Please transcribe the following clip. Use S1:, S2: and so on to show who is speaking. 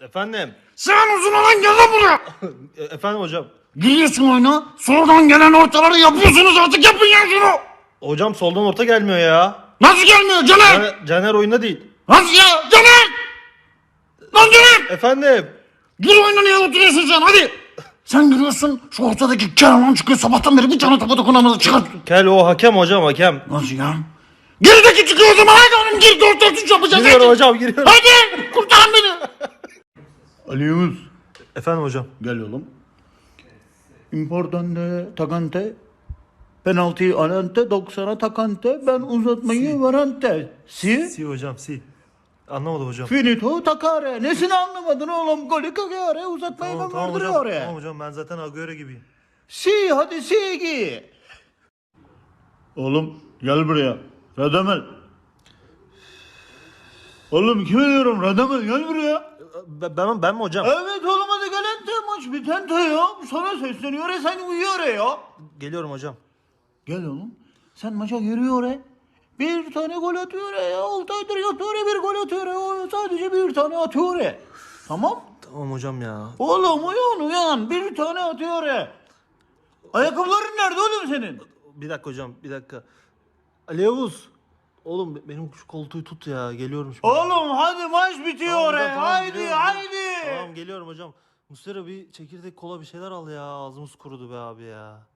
S1: Efendim.
S2: Sen uzun olan gel lan buraya.
S1: Efendim hocam.
S2: Giriyorsun oyuna. Sonradan gelen ortaları yapıyorsunuz artık yapın ya şunu.
S1: Hocam soldan orta gelmiyor ya.
S2: Nasıl gelmiyor Caner?
S1: Caner oyunda değil.
S2: Nasıl ya Caner? Lan Caner.
S1: Efendim.
S2: Gir oyuna niye oturuyorsun sen hadi. Sen giriyorsun şu ortadaki Kerman çıkıyor sabahtan beri bir tane topa dokunamadı çıkar.
S1: Kel o hakem hocam hakem.
S2: Nasıl ya? Gerideki çıkıyor o zaman hadi oğlum gir 4-4-3 yapacağız.
S1: Giriyorum
S2: hadi.
S1: hocam giriyorum.
S2: Hadi kurtarın beni. Ali Yavuz.
S1: Efendim hocam.
S2: Gel oğlum. Importante, takante. Penaltıyı alante, 90'a takante. Ben uzatmayı varante. Si.
S1: Hocam si. Anlamadım hocam.
S2: Finito takare. Nesini anlamadın oğlum? Golü kakare. Uzatmayı ben vardırıyor oraya.
S1: Tamam hocam ben zaten Agüero gibiyim.
S2: Si hadi si gi. Oğlum gel buraya. Radamel. Oğlum kime diyorum Radamel gel buraya.
S1: Ben mi hocam?
S2: Evet oğlum hadi gel ente maç bitente ya. Sana sesleniyor ya sen uyuyor ya.
S1: Geliyorum hocam.
S2: Gel oğlum. Sen maça giriyor ya. Bir tane gol atıyor ya. 6 aydır yatıyor ya. Bir gol atıyor ya. Sadece bir tane atıyor ya. Tamam.
S1: Tamam hocam ya.
S2: Oğlum uyan. Bir tane atıyor ya. Ayakkabıların nerede oğlum senin?
S1: Bir dakika hocam bir dakika. Ali Yavuz. Oğlum benim şu koltuğu tut ya. Geliyorum şimdi.
S2: Oğlum hadi maç bitiyor
S1: Tamam hocam,
S2: ya.
S1: tamam,
S2: Haydi
S1: geliyorum.
S2: haydi.
S1: Tamam geliyorum hocam. Muslera bir çekirdek kola bir şeyler al ya. Ağzımız kurudu be abi ya.